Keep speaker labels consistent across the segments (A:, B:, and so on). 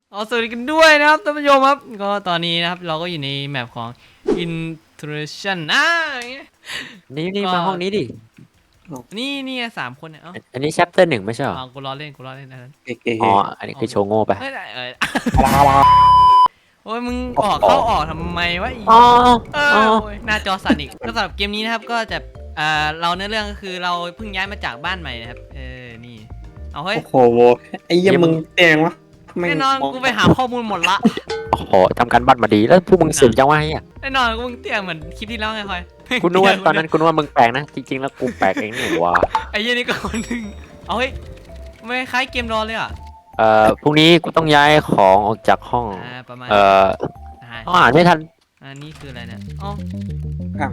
A: สวัสดีกันด้วยนะครับท่านผู้ชมครับก็ตอนนี้นะครับเราก็อยู่ในแมปของ Intrusion อย่างเงี้ย
B: นี่
A: ก็
B: มาห้องนี้ดิ
A: นี่3 คนเนี่ย
B: อันนี้ chapter 1ไม่ใช่หรอ
A: กูล้อเล่นอันนั้น
C: เก๋
B: อ๋ออันนี้คือโชว์โง่ไป
A: เฮ้ย
C: ๆ
A: โอ้ยมึงเข้าออกทำไมวะ
B: อ๋อ
A: โอ้ยหน้าจอสั่นอีกก็สำหรับเกมนี้นะครับก็จะเราเนื้อเรื่องก็คือเราเพิ่งย้ายมาจากบ้านใหม่นะครับนี่เอาเฮ้ย
C: โอ้โหไอ้เหี้ยมึงเตียงวะ
A: แน่นอนกูไปหาข้อมูลหมดละ
B: โอ้โหทำการบ้านมาดีแล้วพวกมึงเสือกจังวะไอ้เนี่ย
A: แน่นอนกูมึงเตี้ยเหมือนคลิปที่แล้วไงคอย
B: กูนึกว่าตอนนั้นกูนึกว่ามึงแปลกนะจริงๆแล้วกูแปลกเองนี่หว่า
A: ไอ้ยี่นี่ก็คนหนึ่งเอาเฮ้ยไม่คล้ายเกมรอเลยอ่ะ
B: พรุ่งนี้กูต้องย้ายของออกจากห้อง
A: ประมาณ
B: ต้องอ่านไม่ทัน
A: นี่คืออะไรเนี่ยอ๋อ
C: ครับ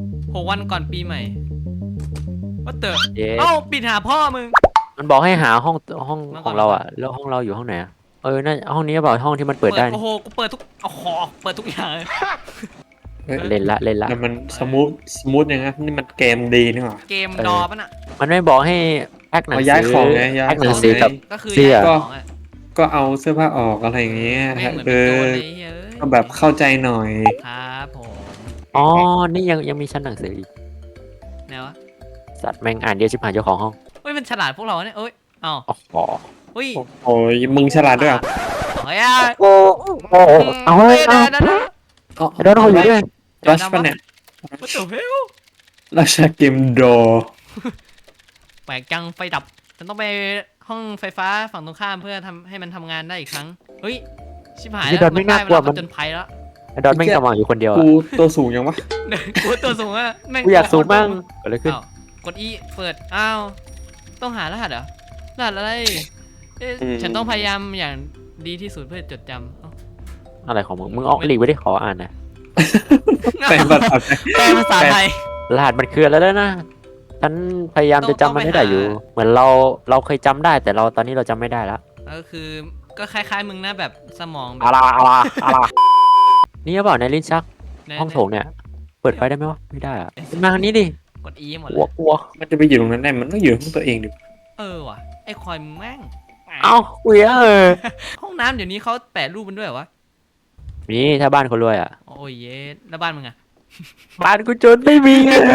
A: 6 วันก่อนปีใหม่ว่าเต๋อ
B: เย้
A: ปิดหาพ่อมึง
B: มันบอกให้หาห้อง
A: มาก่อน
B: ของเราอ่ะแล้วห้องเราอยู่ห้องไหนอะน่าห้องนี้เปล่าห้องที่มันเปิดได้
A: โอ้โหกูเปิดทุกเปิดทุกอย่างเลย
B: เล่นละ
C: แต่มันสมูทอย่างนั้นนี่มันเกมดีนี่หว่า
A: เกมรอปะน่ะ
B: มันไม่บอกให้แพ็คหนัง
C: เอา
B: สื
C: ย้ายของไงย้าย
B: แพ็คหนั
C: ของ ง
B: สือ
C: ไง
B: กับ
A: ก็คือ
B: เสื้อ
A: ย้ายของอ่ะ
C: ก็เอาเสื้อผ้าออกอะไรอย่างเงี้ย
A: แม่งเหมือน
C: เอ
A: เป็นโจ
C: อ
A: รเลยเฮ้ย
C: ก็แบบเข้าใจหน่อย
A: ครับผม
B: อ๋อนี่ยังมีชั้นหนังสืออีก
A: ไหนวะ
B: สัตว์แม่งอ่านเดียวชิบหายเจ้าของห้อง
A: เฮ้ยมันฉลาดพวกเราเนี่ยเอ้ยอ้าว
B: อ๋อ
A: เฮ้ย
C: โอ้ยมึงฉลาดด้วยเหรอ
A: เฮ้ย
B: โอ้เอาเฮ้ยเอา
A: เดี๋ยว
B: โดนเขาอยู่ด้วย
C: รัชปะเนี่ย
A: What the hell
C: ราชาเกมโด
A: แปลกจังไฟดับฉันต้องไปห้องไฟฟ้าฝั่งตรงข้ามเพื่อทำให้มันทำงานได้อีกครั้งเฮ้ยชิบหาย
B: นี่
A: แล้ว
B: ดอนไม่น่ากลัว
A: มันจนภัยแล้ว
B: ดอนแม่งสมองอยู่คนเดียว
C: กู
B: อ่ะ
C: ตัวสูงยังวะ
A: กูตัวสูงอะแม่ง
B: กูอยากสูงบ้างเกิดอะไรขึ้น
A: อ้าวกด E เปิดอ้าวต้องหารหัสเหรอรหัสอะไรฉันต้องพยายามอย่างดีที่สุดเพื่อจดจำ
B: อะไรของมึงออกหลีกไว้ได้ขออ่านนะ
C: แต่แบบแบบ
A: แปลภาษาไทย
B: รหัสมันคืออะไรแล้วนะฉันพยายามจะจำมันให้ได้อยู่ เหมือนเราเคยจำได้แต่ตอนนี้เราจำไม่ได้แล้ว
A: ก็คือก็คล้ายๆมึงนะแบบสมองแบบ
B: อะไรนี่หรือเปล่าในลิ้นชักห้องโถงเนี่ยเปิดไฟได้ไหมวะไม่ได้อะมาทางนี้ดิ
A: กด E หมด
B: ก
A: เล
B: ลัวย กลัว
C: มันจะไปอยู่ตรงนั้นได้มันต้องอยู่ของตัวเองดิ
A: ว่ะไอ้คอยมึงแม่ง
B: เอ้าคุย
A: ห้องน้ำเดี๋ยวนี้เขาแปะรูปมันด้วยเหรอวะ
B: นี่ถ้าบ้านคนรวยอ่ะ
A: โอ้ยเย็ดแล้วบ้านมึงอะ
B: บ้านกูจนไม่มี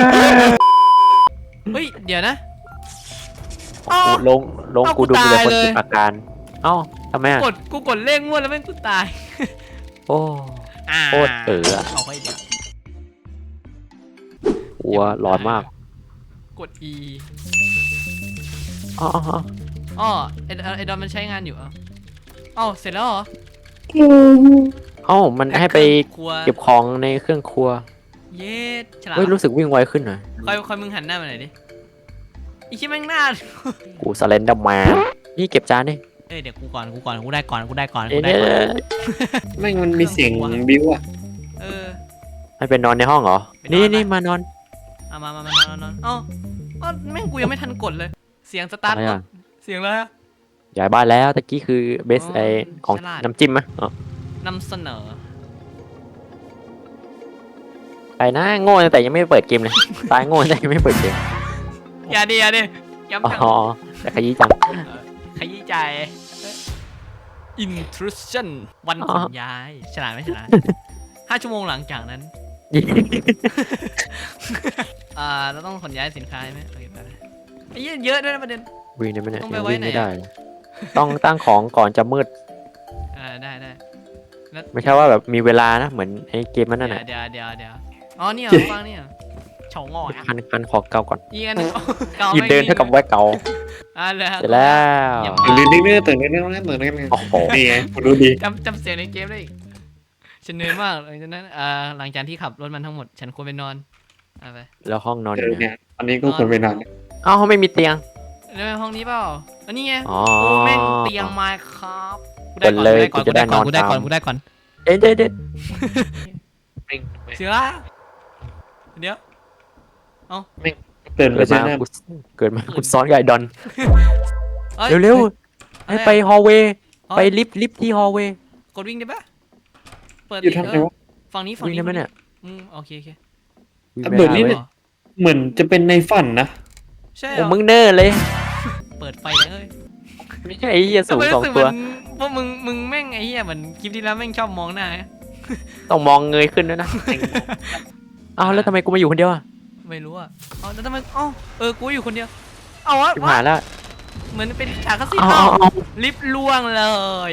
A: เฮ้ยเดี๋ยวนะ
B: ลง
A: เอ้า
B: กูดู
A: กู
B: มีแต่
A: ตาย
B: คน
A: เลย
B: ติดอาการเอ้าทำไมอ่ะ
A: กูกดเลขงวดแล้วแม่งกูตาย
B: โอ้โคตรอะ
A: เอาไปเดี๋ยว
B: กลัวร้อนมาก
A: กด E
B: อ๋อ
A: อ๋อไอดอนมันใช้งานอยู่อ๋อเสร็จแล้วเหรอ
B: เอ้ามันให้ไป
A: ครัว
B: เก็บของในเครื่องครัว
A: เย็ดฉลาด
B: เฮ้ยรู้สึกวิ่งไวขึ้นหน่อย
A: คอยมึงหันหน้ามาหน่อยดิอีชิแม่งหน้า
B: กูสเลนเดอร์แมนนี่เก็บจานดิ
A: เดี๋ยวกูได้ก่อน
B: เอ๊ะ
C: แม่งมันมีเสียงบิ้วอะ
A: เออ
B: ให้ไปนอนในห้องเหรอ
A: ไปนอน
B: นี่
A: ปะ
B: มานอน
A: มานอนแม่งกูยังไม่ทันกดเลย เสียงสตาร์ท
B: อะไรอ่ะ
A: เสียงอะไรอะ
B: ย้ายบ้านแล้วตะกี้คือเบสไอของ
A: ฉลาด
B: น้ำจิ้มไหมอ๋อน
A: ำเสนอ
B: ไปนะโง่ตั้งแต่ยังไม่เปิดเกมเลยตายโง่ตั้งแต่ยังไม่เปิดเกม
A: อย่าดิย้ำจัง
B: อ๋อแต่ขยี้จัง
A: ขยี้ใจ intrusion วันขนย้ายฉลาดไหมฉลาด 5 ชั่วโมงหลังจากนั้น เราต้องขนย้ายสินค้าไหมโอเคไปไอ้เหี้ยเยอะด้วยนะประเด็น
B: วิ่งได้ไหมเนี่ย
A: ต้องไป
B: ยัง
A: ไว้
B: วิ่ง
A: ไหน
B: ไม่
A: อะ
B: ได้เลยต้องตั้งของก่อนจะมืด
A: ได้แล้ว
B: ไม่ใช่ว่าแบบมีเวลานะเหมือนไอ้เกมมันนั่นแหละ
A: เดี๋ยวอ๋อเนี่ยฟังเนี่ยเฉาง่อย
B: คันขอเกาก่อน
A: อีกอันหนึงเก่า
B: ยืนเดินเท่ากับไว้เกา
A: เลย
B: เสร็จแล้ว
C: ตื่นนิดนึงตื่นนิดนึงตื่นนิดนึง
B: โอ้โห
C: นี่ไงกูดูดี
A: จำเสียงในเกมได้อีกฉันเหนื่อยมากหลังจากนั้นหลังจากที่ขับรถมันทั้งหมดฉันควรไปนอนไป
B: แล้วห้องนอนอยู่ไหน
C: เนี่ยตอนนี้ก็ควรไปนอน
B: เอ้าไม่มีเตียง
A: แล้วห้องนี้เปล่าอันนี้ไง
B: อ๋อ
A: โอ้แม่งเตียงไม้ครับ
B: เปิดเลยกูจะได้นอน
A: กูได้ก่อน
B: ตาม
A: กูได้ก่อน
B: เด็ด
A: เสือเดี๋ยว
C: ตื่นไป
B: เกิด
C: ใช่
B: มา
C: ไหม
B: กูซ้อนกับไอ้ดอน
A: อ้ย
B: เร็วๆให้ไปฮอลเวย์
A: เอ้ย
B: ไปลิฟต์ที่ฮอลเวย์
A: กดวิ่งได้ปะเปิด
C: อยู่ทำไงวะ
A: ฝั่งนี้
B: วิ่งได้ไหมเนี่ย
A: โอเค
B: วิ่ง
C: เบิดนี่
B: ไม่
C: เนี่
B: ได้
C: ย เหมือนจะเป็นในฝันนะ
A: ใช่
B: โอ้มึงเนอร์เลย
A: เปิดไฟเลย
B: ไม่ใช่ไอ้เหี้ยสูง
A: ทำไม
B: สอง
A: รู้สึก
B: ตัว
A: เหมือนพวกมึงแม่งไอ้เหี้ยเหมือนคลิปที่แล้วแม่งชอบมองหน้า
B: ต้องมองเงยขึ้นด้วยนะอ้าวแล้วทำไมกูมาอยู่คนเดียวอ่ะ
A: ไม่รู้อ่ะเอาแล้วทำไมเอ้ากูอยู่คนเดียวเอาวะ
B: ชิบหายแล้ว
A: เหมือนเป็นฉากคัสซีน
B: เอา
A: เอ้า
B: เอาเอา
A: ลิฟต์ล่วงเลย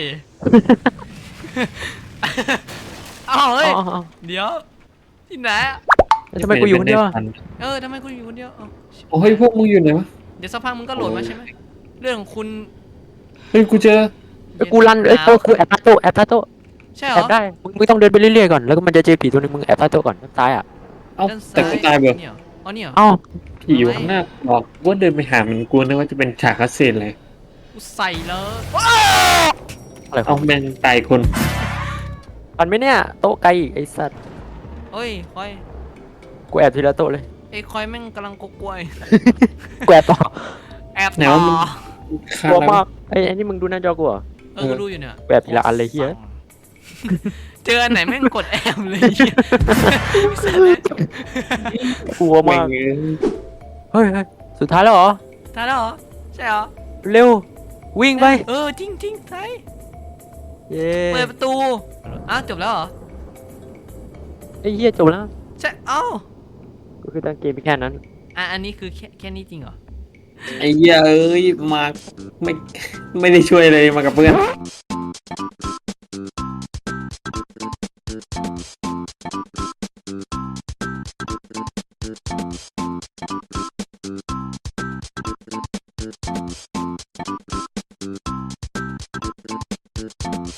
A: เอ้าเฮ้ย
B: เอาเอา
A: เดี๋ยวที่ไหนอะ
B: แล้วทำไมกูอยู่คนเดียวอะ
A: ทำไมกูอยู่คนเดียวเอ้า
C: โอ้ยพวกมึงอยู่ไหนวะ
A: เดี๋ยวสักพักมึงก็โหลดมาใช่ไหมเรื่องของคุณ
C: เฮ้ยกูเจอ
B: แล้วกูรันเอ้ยกูแอบพาโตแอบพาโต
A: ใช่เหร
B: แอ
A: อบ
B: ได้มึงต้องเดินไปเรื่อยๆก่อนแล้วก็มันจะเจอผีตัวนึงมึงแอบพาโตก่อนด้านซ้ายอ่ะ
C: เอ้า
A: ด้าน
C: แต่กูตายเบอ
A: เนี่ยเหรออ๋อเนี่ยเหรอ
B: เอ้า
C: ผีอยู่ข้างหน้าบอกว่าเดินไปหามันกูนึกว่าจะเป็นฉากคัสซีนเลย
A: กูใส่เลย
B: อะไรข
C: เอา
B: อง
C: แม่งตายคน
B: มันไหม่เนี่ยโต๊ะไกลอีกไอ้สัตว์
A: เฮ้ยคอย
B: กูแอบทีละโต๊ะเลย
A: ไอ้คอยแม่งกำลังกกวย
B: กูแอบต่อ
A: แอบ
C: ไหน
A: ต่อ
C: ว่ามึงฆ่าก
B: ลัว
C: แล้ว
B: มากไอ้นี่มึงดูหน้าจอกูเหรอ
A: กูดูอยู่เนี่ย
B: แอบทีละอันเลยเหี้ย
A: เจออันไหนแม่งกดแอมเลยเหี้ย
B: กลัว
C: แม่
B: มาง ก
C: เอ้ย
B: เฮ้ยสุดท้ายแล้วเหรอ
A: ตายแล้วเหรอใช่เหรอ
B: เร็ววิ่งไป
A: จริงใช่
B: เย้
A: เปิดประตูอ้าวจบแล้วเหรอ
B: ไอ้เหี้ยจบแล้ว
A: ใช่เอ้า
B: ก็คือตั้งเกมไปแค่นั้น
A: อันนี้คือแค่นี้จริงเหรอ
C: ไอ้เหี้ยเอ้ยมาไม่ไม่ได้ช่วยเลยมากับเพื่อน